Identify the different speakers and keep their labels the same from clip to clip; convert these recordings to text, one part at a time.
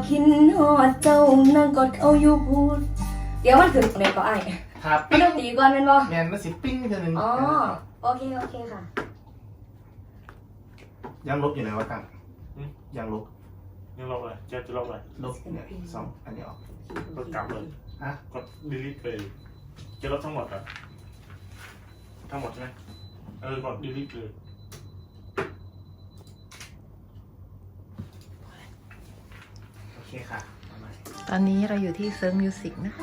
Speaker 1: คินหอดเจ้านั่งกอดเขาอยู่พูดเดี๋ยวมันขึ้นแม่ก็ไอ้
Speaker 2: ครับ
Speaker 1: ไม่ต้องตีก่อนแม่นบ่
Speaker 2: แมนมันสิปิ้งเท่านึง
Speaker 1: อ๋อโอเคค่ะ
Speaker 2: ยังลบอยู่ไหนวะกันยังลบ
Speaker 3: ยังลบเลยจะลบเลย
Speaker 2: ลบเนี่ยสองอันนี้ออก
Speaker 3: กดกลับเลย
Speaker 2: ฮะ
Speaker 3: กด delete เลยจะลบทั้งหมดอ่ะทั้งหมดใช่ไหมกด delete เลย
Speaker 2: โอเคค่ะเอาใหม่
Speaker 4: ตอนนี้เราอยู่ที่เซิร์ฟมิวสิกนะคะ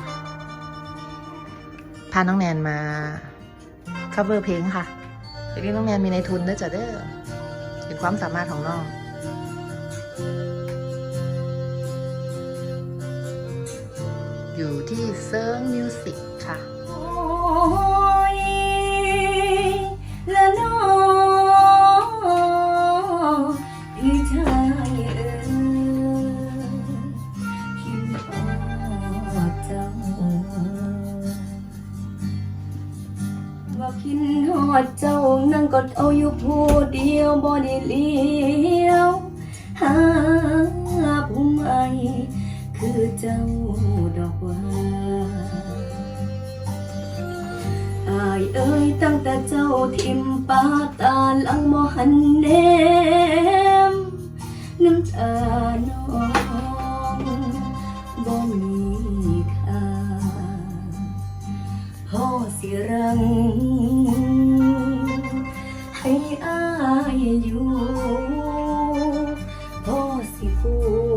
Speaker 4: พาน้องแนนมา cover เพลงค่ะเดี๋ยวน้องแนนมีในทุนด้วยจ้ะเด้อเป็นความสามารถของน้อง อยู่ที่เซิร์ฟมิวสิกค่ะ
Speaker 1: โอ้ยละน้อพี่ชายคิดฮอดเจ้าว่าคิดฮอดเจ้านั่งกอดเอาอยู่ผู้เดียวบ่ได้เลี้ยวหาผู้ใหม่คือเจ้าดอกว่าอายเอ้ยตั้งแต่เจ้าทิมปาตาหลังบ่หันแนมน้ำตาน้องบ่มีค่าพ่อสิรังให้อายอยู่พ่อสิพู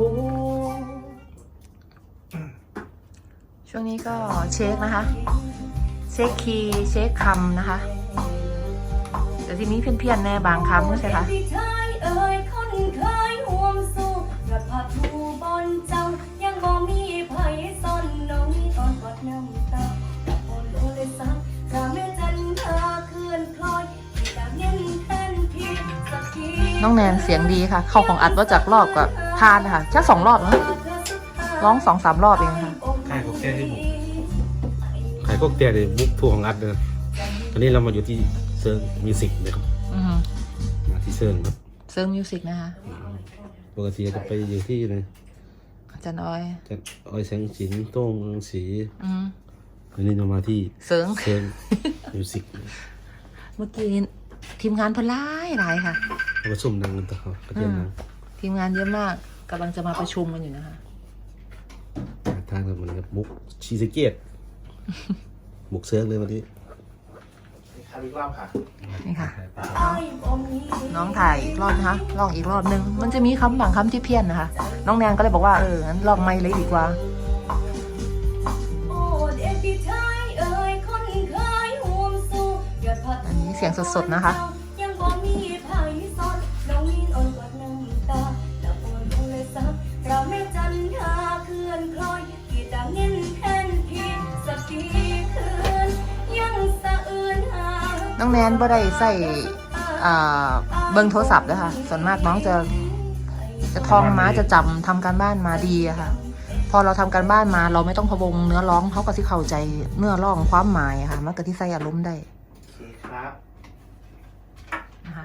Speaker 4: ช่วงนี้ก็เช็คนะคะ เช็คคีย์เช็คคำนะคะ แต่ทีนี้เพี้ยนๆแน่บางคำก็ใช่คะ
Speaker 1: พี่ชายเอ่ยคนเคยห่วมสู้กระพาทูบอนเจ้ายังบ่มีไผซ่อนน้องตอนกอดน้ำตาแต่พอโลเลยสักกะแม่จันทาเคลื่อนคล้อยที่ดาเงินแทนพี่สักที
Speaker 4: น้องแนนเสียงดีค่ะ เข้าของอัดว่าจากรอบกับทานนะคะแค่2 รอบนะร้อง 2-3 รอบเองค่ะ
Speaker 5: ใครพวกแกที่บุกใครพวกแกที่บุกทัวร์ของอัดเลยตอนนี้เรามาอยู่ที่เซิร์ฟมิวสิกนะครับ
Speaker 4: อือฮึ
Speaker 5: มาที่เซิร์ฟครับ
Speaker 4: เซิร์ฟมิวสิกนะคะ
Speaker 5: ปกติจะไปอยู่ที่ไหน
Speaker 4: อาจารย์อ้อย
Speaker 5: จะออยแสงสินโต้งรังสี
Speaker 4: อือ
Speaker 5: วันนี้เรามาที่
Speaker 4: เซิร์ฟ
Speaker 5: เซิร์ฟมิวสิก
Speaker 4: เมื่อกี้ทีมงานเพนร้ายหลายค่ะ
Speaker 5: เราประชุมดังกันต่อประเด็นดัง
Speaker 4: ทีมงานเยอะมากกำลังจะมาประชุมกันอยู่นะคะ
Speaker 5: ทางเหมือนกับมุกชีสเกียตมุกเซิร์ฟเลยวันนี้
Speaker 2: ครับอีกรอบค่ะ
Speaker 4: นี่ค่ะ
Speaker 1: อ้ายบ่มี
Speaker 4: น้องถ่ายอีกรอบนะคะลองอีกรอบนึง มันจะมีคำบางคำที่เพี้ยนนะคะ น้องแนนก็เลยบอกว่างั้นลองไม่เลยดีกว่า
Speaker 1: โอ้เด็กพี่ชายเอ่ยคนเคยห่วมสู้ยอดพัด
Speaker 4: อันนี้เสียงสดๆนะคะ
Speaker 1: ยังบ่มีไผซ่อนน้องมีนอ่อนกว่าน้ำตาแล้วปวดลงเลยสักกระแม่จันทาเคลื่อนคล้อยที่ตาเงินแทนพี่สักทีคืนยังสะอื่นหา
Speaker 4: น้องแนนบ่ได้ใส่เบิ้งโทรศัพท์นะคะส่วนมากน้องจะท่องมาจะจำทำการบ้านมาดีอะค่ะ พอเราทำการบ้านมาเราไม่ต้องพะวงเนื้อร้องเขาก็ที่เข้าใจเนื้อร้องความหมายอะค่ะมันก็ที่ใส่อารมณ์ได้
Speaker 2: โอเคครับ
Speaker 4: นะคะ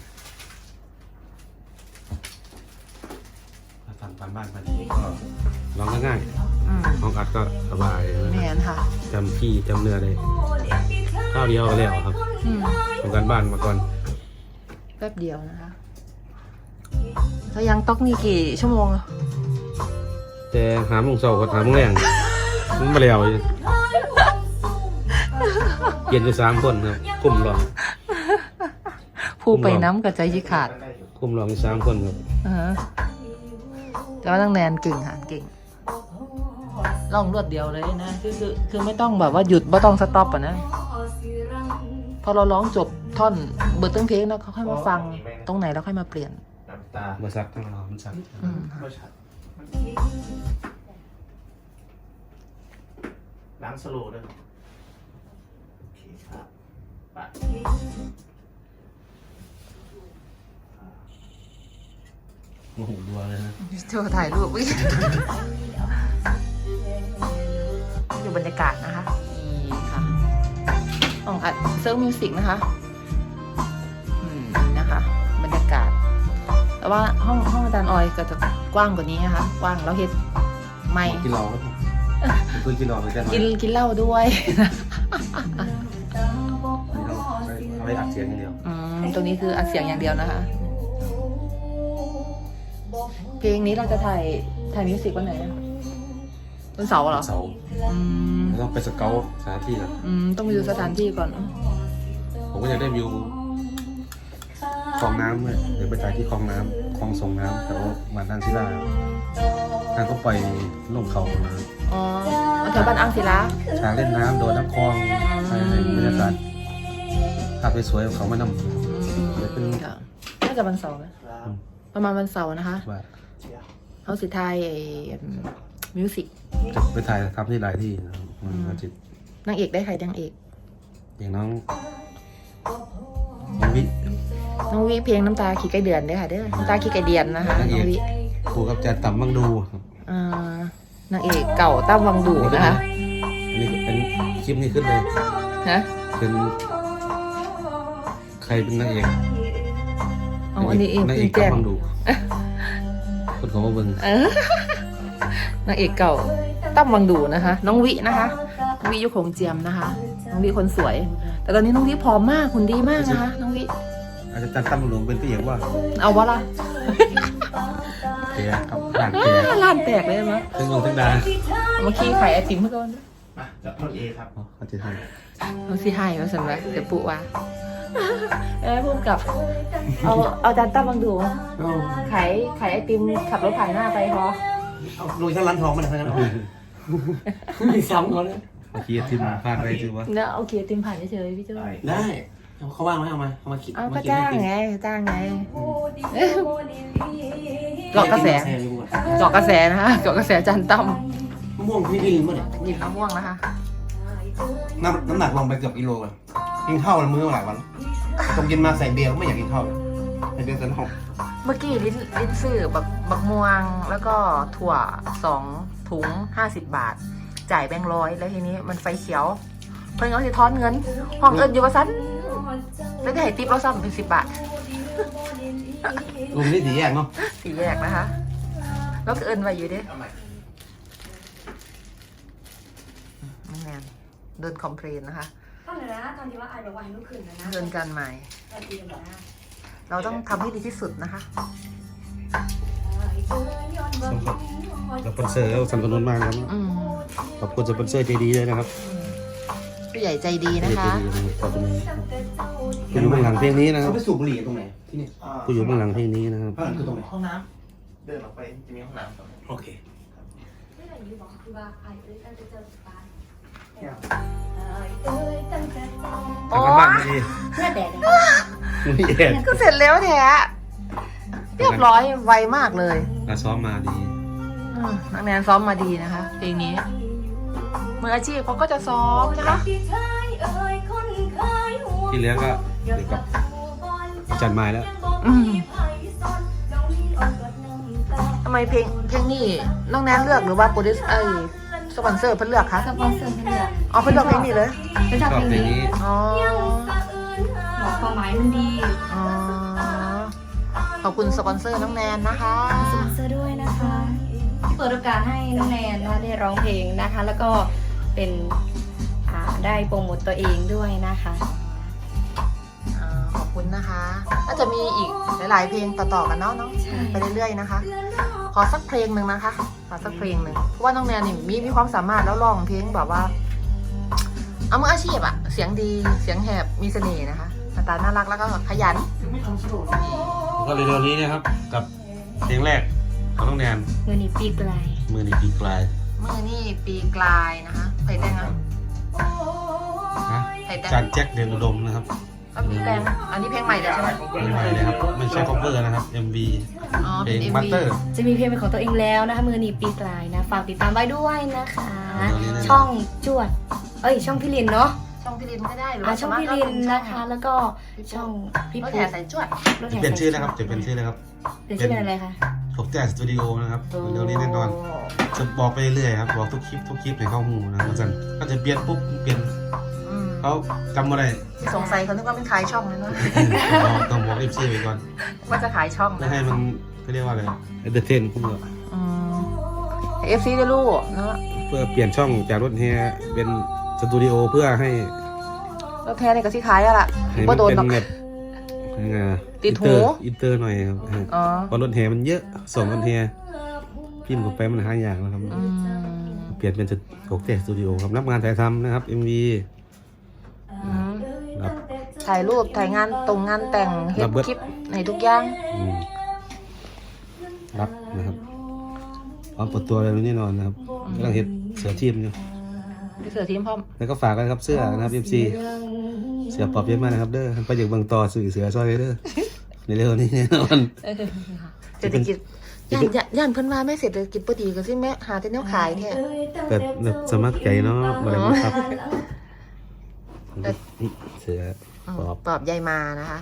Speaker 5: เราทำตามบ้านไปก็ร้องง่าย
Speaker 4: อืม
Speaker 5: ๆร้องอัดก็สบาย
Speaker 4: แมนค่ะ
Speaker 5: จำที่จำเนื้อได้ข้าวเดียวก็แล้วครับ
Speaker 4: อืม
Speaker 5: ทำการบ้านมาก่อน
Speaker 4: แป๊บเดียวนะคะแล้วยังต๊อกนี่กี่ชั่วโมงอะ
Speaker 5: แต่หาโมงเช้าก็หาโมงแรงมันมาแล้วอยู่เปลี่ยนอยู่3 คนครับกลุ่มรอง
Speaker 4: ผู้ไปน้ำกับใจยิขาด
Speaker 5: กลุ่มรองอยู่3 คนครับ
Speaker 4: แต่ว่าน้องแนนเก่งค่ะเก่งร้องรวดเดียวเลยนะคือไม่ต้องแบบว่าหยุดไม่ต้องสต็อปอ่ะนะพอเราร้องจบท่อนเบิร์ดตั้งเพลงแล้วเขาค่อยมาฟังตรงไหนแล้วค่อยมาเปลี่ยน
Speaker 2: น้ำตา
Speaker 5: มาซักทั้งเรามันซัก
Speaker 4: อืม
Speaker 2: ไม่ชัดล้างสโลว์ด้วยโอเคครับไป
Speaker 5: โอ้โหดัวเลยนะ
Speaker 4: โชว์ถ่ายรูปอุ๊ยอยู่บรรยากาศนะคะนี่ค่ะของอัดเซิร์ฟมิวสิกนะคะนี่นะคะ บรรยากาศแต่ว่าห้องอาจารย์ออยก็จะกว้างกว่านี้นะคะกว้างแล้วเฮ็ดไม่
Speaker 5: กินเหล้าครับคือกินเหล้าเหมือนกัน
Speaker 4: กินเหล้าด้วย
Speaker 5: เอาไว้อัดเสียงอย่างเดียว
Speaker 4: ตรงนี้คืออัดเสียงอย่างเดียวนะคะ เพลงนี้เราจะถ่ายมิวสิกวันไหนอะวันเสาร์เหรอ
Speaker 5: เสาร์
Speaker 4: อืม
Speaker 5: ต้องไปสเกลสถานที่ก่อน
Speaker 4: ต้องไปดูสถานที่ก่อน
Speaker 5: ผมก็อยากได้วิวคลองน้ำเลยเดี๋ยวไปถ่ายที่คลองน้ำคลองส่งน้ำแถวบ้านทางศิลาทางก็ปล่อยลงเขามา
Speaker 4: อ๋อแถวบ้านอังศิลา
Speaker 5: ช้างเล่นน้ำโดนน้ำคลองใช่บรรยากาศภาพสวยๆของเขามานำเดี๋ยวเป็น
Speaker 4: ค่ะน่าจะวันเสาร์ไหม
Speaker 2: ครับ
Speaker 4: ประมาณวันเสาร์นะคะ
Speaker 5: ว่า
Speaker 2: เชียร์
Speaker 4: เขาสิทายมิวสิก
Speaker 5: จะไปถ่ายทำที่หลายที่นะครับมันจิต
Speaker 4: นางเอกได้ใครนางเอก
Speaker 5: อย่างน้องวิ
Speaker 4: น้องวิเพลงน้ำตาขี้ไก่เดือนเด้อค่ะเด้อน้ำตาขี้ไก่เดือนนะคะน้องวิ
Speaker 5: ครูกับแจนต่ำบังดู
Speaker 4: นางเอกเก่าตั้มวังดูนะคะ
Speaker 5: อันนี้เป็นคลิปนี้ขึ้นเลย
Speaker 4: นะ
Speaker 5: เป็นใครเป็นนางเอก
Speaker 4: อ๋ออันนี้เอง
Speaker 5: นางเอ
Speaker 4: เพิ่
Speaker 5: ก
Speaker 4: งแจ้ง
Speaker 5: บังดูคนของมาเบิ่ง
Speaker 4: นางเอกเก่าตั้มวังดูนะคะ น้องวินะคะวิยุคงเจียมนะคะ น้องวิคนสวย แต่ตอนนี้น้องวิผอมมากหุ่นดีมากนะคะ น้องวิ
Speaker 5: อาจจะตั้มบังดูเป็นตัวเอกว่า
Speaker 4: เอาวะล่ะ
Speaker 5: เตียครับด่านเตีย
Speaker 4: ล้านแตกเลยมั้ย
Speaker 5: ถึงลงถึงดา
Speaker 4: เมื่อกี้ไข่ไอติมเพื่อน
Speaker 2: มาจับต้นเอครับ
Speaker 5: เขาจะให้
Speaker 4: น้องสิให้มาสั่นไว้เดี๋ยวปุ๊ว่าพูดกับเอาจานตั้มวังดูขายไอติมขับรถผ่านหน้าไปพอ
Speaker 2: เอาลุยทั้งร้านทองมาเลยทั้งนั้น
Speaker 4: มีซ้ำเขาเลย
Speaker 5: เมื่อกี้ทีมพลาดไปจือว่า
Speaker 4: แล้วโอเคติมผ่านเฉยๆพี่เจ้า
Speaker 2: ได้เขาว่างไหมเอามาคิด
Speaker 4: เอาก็จ้างไงเกาะกระแสเกาะกระแสนะคะเกาะกระแสจานตั้ม
Speaker 2: มะม่วงพี่ลืมป่ะเนี่ย
Speaker 4: หยิบมะม่วงนะคะ
Speaker 2: น้ำหนักลงไปเกือบกิโลเลยกินข้าวมันมื้อหลายวันผมกินมาใส่เบียร์ก็ไม่อยากกินข้าวเลยใส่เบียร์ใส่น้ำ
Speaker 4: เมื่อกี้ลิ้นซื้อบักม่วงแล้วก็ถั่ว2 ถุง50 บาท จ่ายแบงค์100แล้วทีนี้มันไฟเขียว เพิ่นเอาสิทอนเงินห้องเอิญอยู่ว่าซันแล้วได้ให้ติปเราซ้ำเป็น10 บาท
Speaker 2: ลุงนี่สีแยกเนาะ
Speaker 4: สี่แยกนะคะ แล้วก็เอิญไว้อยู่เด้ไม่แน่นเดินคอมเพลนนะคะ
Speaker 1: ตอนไหนนะตอนที่ว่าไอ้บอกว่าให้ลูกขึ้นนะ
Speaker 4: เดินกันใหม่
Speaker 1: ตอนที่บอกนะ
Speaker 4: เราต้องทำให้ดีที่สุดนะคะ
Speaker 5: สปอนเซอร์ก็สนับสนุนมากนะครับ ขอบคุณสปอนเซอร์ใจดีด้วยนะครับ
Speaker 4: ผู้ใหญ่ใจดีนะ
Speaker 5: ใจ
Speaker 4: คะ
Speaker 5: ดีนะครับขอบคุณผู้อยู่เบื้องหลังเพลงนี้นะครับ
Speaker 2: เขาไปสูบบุหรี่ตรงไหนที่นี่
Speaker 5: ผู้อยู่เบื้องหลังเพลงนี้นะครับ
Speaker 2: ข้างหลังคือตรงไหน
Speaker 3: ห้องน้ำเดินออกไปจะมีห้องน้ำตรงนี้
Speaker 2: โอเค
Speaker 1: ไม่ได้อยู่บอกคือว่าไอ้เอ้ยตั้งแต่เจอบ้าน
Speaker 5: ทำกันบ้านดี
Speaker 1: เพื่อแดด
Speaker 5: ไม่แย่
Speaker 4: ก็เสร็จแล้วแท้เรียบร้อยไวมากเลย
Speaker 5: เราซ้อมมาดี
Speaker 4: นักแนนซ้อมมาดีนะคะ เพลงนี้มืออาชีพเขาก็จะซ้อมนะคะ
Speaker 5: ที่เหลือก็เดี๋ยวกับจัดไม้แล้ว
Speaker 4: ทำไมเพลงนี้น้องแนนเลือกหรือว่าโปรดิวเซอร์สปอนเซอร์เพิ่นเลือกคะ
Speaker 1: สปอนเซอร์ให้เลือก
Speaker 4: อ๋อเพิ่นเลือกเพลงนี้เลย
Speaker 1: เป็น
Speaker 5: ช
Speaker 1: ชอบ
Speaker 5: อบ
Speaker 1: เพลง
Speaker 5: เพลง
Speaker 1: นี้
Speaker 5: นี้
Speaker 4: อ๋อ
Speaker 1: บอกความหมายมันดี
Speaker 4: อ๋อขอบคุณสปอนเซอร์น้องแนนนะคะ
Speaker 1: สปอนเซอร์ด้วยนะคะที่เปิดโอกาสให้น้องแนนได้ร้องเพลงนะคะ แล้วก็เป็นได้โปรโมตตัวเองด้วยนะคะ
Speaker 4: ขอบคุณนะคะน่าจะมีอีกหลายๆเพลงต่อๆกันเนาะน้อง
Speaker 1: ใช่
Speaker 4: ไปเรื่อยๆนะคะ ขอสักเพลงหนึ่งนะคะ ขอสักเพลงหนึ่งเพราะว่าน้องแนนนี่มีความสามารถแล้วร้องเพลงแบบว่าเอามืออาชีพอะเสียงดีเสียงแหบมีเสน่ห์นะคะหน้าตาน่ารักแล้วก็ขยัน
Speaker 2: ไม่ทำสโลว์
Speaker 5: แล้วก็เร็วๆนี้นะครับ กับเพลงแรกของน้องแนน
Speaker 1: เงินนี้ปีไกล
Speaker 5: มือในปีกลาย
Speaker 4: เมื่อนี่ปีกลายนะคะไผ่แดงอะ
Speaker 5: นะ
Speaker 4: ไผ่แด
Speaker 5: จาง นแจ็คเดนอุดมนะครับ
Speaker 4: ก็ปีแดงอันนี้เพลงใหม่เลยใช่ไหม
Speaker 5: เพลงใหม่เลยครับไม่ใช่ cover นะครับ MV
Speaker 4: อ๋อ
Speaker 5: เพ
Speaker 4: เป็
Speaker 5: ล
Speaker 4: น
Speaker 5: ง
Speaker 4: MV
Speaker 5: มัตเตอร์
Speaker 1: จะมีเพลงเป็นของตัวเองแล้วนะคะมือนี้ปีไกลนะฝากติดตามไว้ด้วยนะคะ
Speaker 5: เดี๋ยวนี้นะ
Speaker 1: ช่องจวดช่องพี่ลินเนาะ
Speaker 4: ช่องพี่ลินก็ได้หรือ
Speaker 1: อ่า
Speaker 4: ว่า
Speaker 1: ช่องพี่ลินนะคะ แล้วก็ช่องพี่
Speaker 4: รถ
Speaker 1: ปุ๊
Speaker 4: แห่สายจวด
Speaker 1: รถ
Speaker 5: จะ
Speaker 1: แห่
Speaker 5: เปลี่ยนชื่อแล้ว
Speaker 1: สา
Speaker 5: ครับจะเปลี่ยนชื่อแล้วครับ
Speaker 1: เปลี่ยนชื่อเป็นอะไรคะ
Speaker 5: ถกแจ๊สสตูดิโอนะครับเดี๋ยวนี้แน่นอนจะบอกไปเรื่อยๆครับบอกทุกคลิปให้เข้าหูนะครับอาจารย์ก็จะเปลี่ยนปุ๊บเปลี่ยน
Speaker 4: อืม
Speaker 5: เขาจำอะไร
Speaker 4: สงสัยเขานึกว่าเป็นขายช่องเลยเนาะ
Speaker 5: ต้องบอกเอฟซีไปก่อน
Speaker 4: ว่าจะขายช่อง
Speaker 5: ไม่
Speaker 4: นะ
Speaker 5: ให้มันเขาเรียกว่าอะไรเอนเตอร์เทนพวกเรา
Speaker 4: FC ได้รู้เนาะ
Speaker 5: เพื่อเปลี่ยนช่องจากรถแฮเป็นสตูดิโอเพื่อให้
Speaker 4: แล้วแค่นี้ก็ที่ขายอะล่ะ
Speaker 5: ให้
Speaker 4: บ่
Speaker 5: มัน
Speaker 4: โดน
Speaker 5: เป็น
Speaker 4: หรอก
Speaker 5: แบบยังไง
Speaker 4: ติดหู
Speaker 5: อินเตอร์หน่อยครับ
Speaker 4: อ๋อ
Speaker 5: เพราะรถแฮมันเยอะส่งรถแฮพิมพ์เข้าไปมันหาอย่างนะครับ
Speaker 4: อืม
Speaker 5: เปลี่ยนเป็นโกเต้สตูดิโอครับรับงานถ่ายทำนะครับ MV
Speaker 4: อืม
Speaker 5: รับ
Speaker 4: ถ่ายรูปถ่ายงานตรงงานแต่งเฮ็
Speaker 5: รั
Speaker 4: ด
Speaker 5: บเบิด
Speaker 4: คลิปในทุกอย่าง
Speaker 5: อืมรับนะครับพร้อมเปิดตัวอะไรแน่นอนนะครับกำลังเห็นเสือทีมอยู่
Speaker 4: พี่เสือทีมพร้อม
Speaker 5: แล้วก็ฝากกันครับเสื้อนะครับ MC เสือปอบเยอะมากนะครับเด้อไปจากบางต่อสื่อเสือซอยเด้อในเร็วนี้แน่นอน
Speaker 4: เศรษฐกิจย่านเพิ่นว่าแม่เศรษฐกิจบ่ดีก็สิแม่หาแต่แนวขายแท้
Speaker 5: แต่แบบสมัครใจเนาะมาเลยนะครับ เสือปอบ
Speaker 4: ปอบใยมานะคะ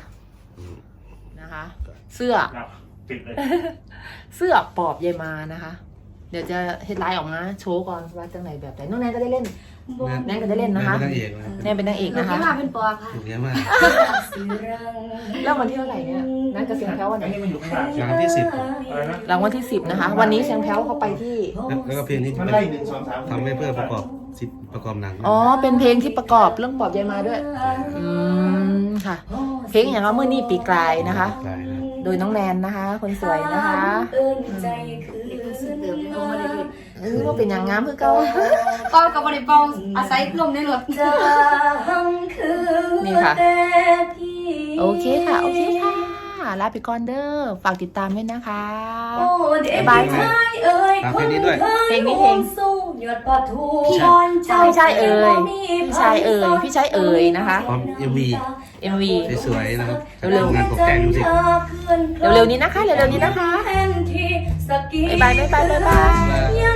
Speaker 4: เสื้อ
Speaker 3: ครับติดเลย
Speaker 4: เสื้อปอบใยมานะคะ เดี๋ยวจะเฮ็ดไลน์ออกมาโชว์ก่อนว่าจังไหนแบบไหนน้องแนนก็ได้เล่น แนนก็ได้เล่นนะคะ
Speaker 5: แม่เป็นนางเอกนะครับ
Speaker 4: แนนเป็นนางเอก
Speaker 1: หนู
Speaker 4: นะคะ
Speaker 1: ที่มาเป็นปอบค่ะ
Speaker 5: ถูกเยอะมาก
Speaker 4: แล้ววันที่เท่าไหร่เนี่ยนั่นก็เสียงแพ้ววันไหน
Speaker 3: อันนี้มันอยู่ข้างหลัง
Speaker 5: งานที่
Speaker 3: อะไรนะ
Speaker 4: รางวัลที่ 10นะคะ วันนี้เสียงแพ้วเขาไปที่
Speaker 5: 10แล้วก็เพลงที่
Speaker 3: มัน
Speaker 5: เป็น
Speaker 3: ไล่1 2 3
Speaker 5: ทำให้เพื่อประกอบหนัง
Speaker 4: อ๋อ เป็นเพลงที่ประกอบเรื่องปอบใยมาด้วย อืมค่ะ เพลงอย่างว่ามื่อนี่ปีกลายนะคะ
Speaker 5: ลายนะ
Speaker 4: โดยน้องแนนนะคะ คนสวยนะคะ
Speaker 1: ใจคือ
Speaker 4: เดิมที่เขาไม่ได้เล่นว่าเป็นอย่างงามคือเก่า
Speaker 1: เป้ากับบริเป้าอาศัยลมในรถจะคือ
Speaker 4: นี่ค่ะ
Speaker 1: แต่พี่
Speaker 4: โอเคค่ะ โอเคค่ะ ลาไปก่อนเด้อ ฝากติดตามด้วยนะคะ
Speaker 1: โอ้เด็ก
Speaker 4: บ๊ายบาย
Speaker 1: ชายเอ่ย
Speaker 5: ฝากเพลงนี้ด้วย
Speaker 4: เพลงนี้เพลง
Speaker 1: สู้หยดปะทู
Speaker 4: พี่
Speaker 1: บอนเจ้า
Speaker 4: พี่ชายเอ่ยพี่ชายเอ่ยพี่ชายเอ่ยนะคะ
Speaker 5: พร้อม MV
Speaker 4: MV
Speaker 5: สวยๆนะครับ
Speaker 4: เร็วๆ
Speaker 5: งานตกแต่งดูสิ
Speaker 4: เร็วๆนี้นะคะ เร็วๆนี้นะคะ
Speaker 1: แทนที่สกี
Speaker 4: บ๊ายบายบ๊ายบายบ๊ายบาย
Speaker 1: ย